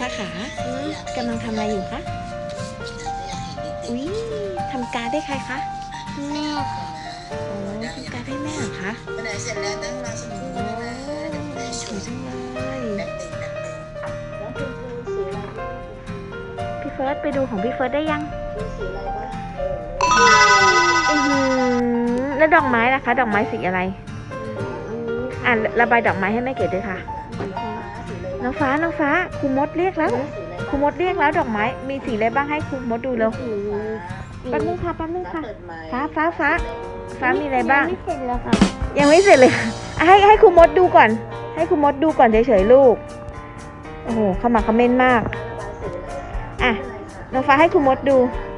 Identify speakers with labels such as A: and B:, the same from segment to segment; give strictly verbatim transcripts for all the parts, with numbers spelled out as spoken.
A: ฟ้าขากำลังทำอะไรอยู่คะอุ้ยทำการ์ดได้ใครคะแม่ค่ะโอ้ทำการ์ดได้แม่เหรอคะ
B: ไปไหนเสร็จแล้วนั่งรอสักครู่นะคะเดี๋ยว
A: สวยจังเลย
B: แป๊บหนึ่งแป๊บหนึ่งแล้วคุณครูสีอะไรบ้าง
A: พี่เฟิร์สไปดูของพี่เฟิร์สได้ยัง
B: มีสีอะไรบ้างเออ
A: อือหือแล้วดอกไม้ล่ะคะ ดอกไม้สีอะไรอ่ะระบายดอกไม้ให้แม่เกดด้วยค่ะน้องฟ้าน้องฟ้าครูมดเรียกแล้วครูมดเรียกแล้วดอกไม้มีสีอะไรบ้างให้ครูมดดูเร็วแป๊บนึงค่ะแป๊บนึงค่ะฟ้าฟ้าฟ้าฟ้ามีอะไรบ้างไม่เสร็จแล้วค่ะยังไม่เสร็จเลยค่ะให้ให้ครูมดดูก่อน ให้ครูมดดูก่อนเฉยๆลูกโอ้โหเข้ามาคอมเมนต์มากอ่ะน้องฟ้าให้ครูมดดู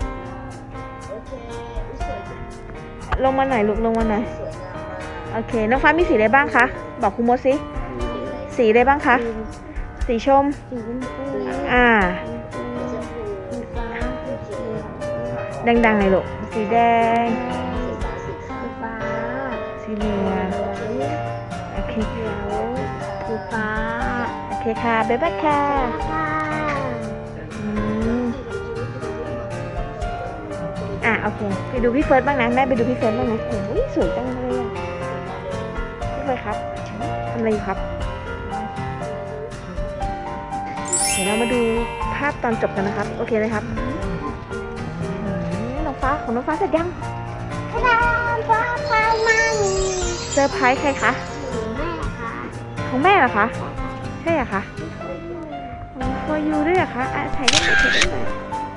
A: ลงมาหน่อยลูกลงมาหน่อยโอเคน้องฟ้ามีสีอะไรบ้างคะบอกครูมดสิสีอะไรบ้างคะสีชมอ่าดังๆเลยลูกสีแดงสีฟ้าสีเหลืองโอเคสีฟ้าโอเคค่ะบ๊ายบายค่ะอืมอ่ะโอเคไปดูพี่เฟิร์สบ้างนะแม่ไปดูพี่เฟิร์สบ้างนะโอ้ยสวยจังเลยอ่ะพี่เฟิร์สครับทำอะไรอยู่ครับเดี๋ยวเรามาดูภาพตอนจบกันนะครับโอเคเลยครับน้องฟ้าของน้องฟ้าเสร็จยังฟ้าพามาเซอร์ไพรส์ใครคะของแม่เหรอคะใช่เหรอคะฟอร์ยูด้วยเหรอคะอ่ะถ่ายได้ไหมถ่ายได้ไหม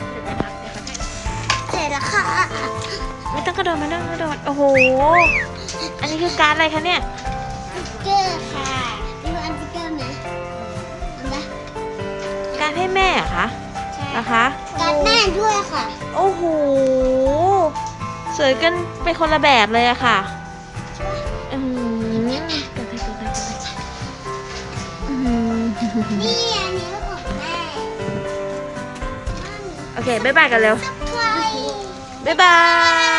A: เสร็จแล้วค่ะไม่ต้องกระโดดไม่ต้องกระโดดโอ้โหอันนี้คือการอะไรคะเนี่ย
C: เกอร์ค่ะดูอันสติกเกอร์ไหมอันละ
A: การให้แม่เหรอคะนะคะ
C: การแม่ด้วยค่ะ
A: โอ้โหสวยกันเป็นคนละแบบเลยอะค่ะอืมกระไทยกระไทยกระไทยอืม
C: นี่อันนี้ของแม่
A: โอเคบ๊ายบายกันเร็ว
C: ใคร
A: บ๊ายบาย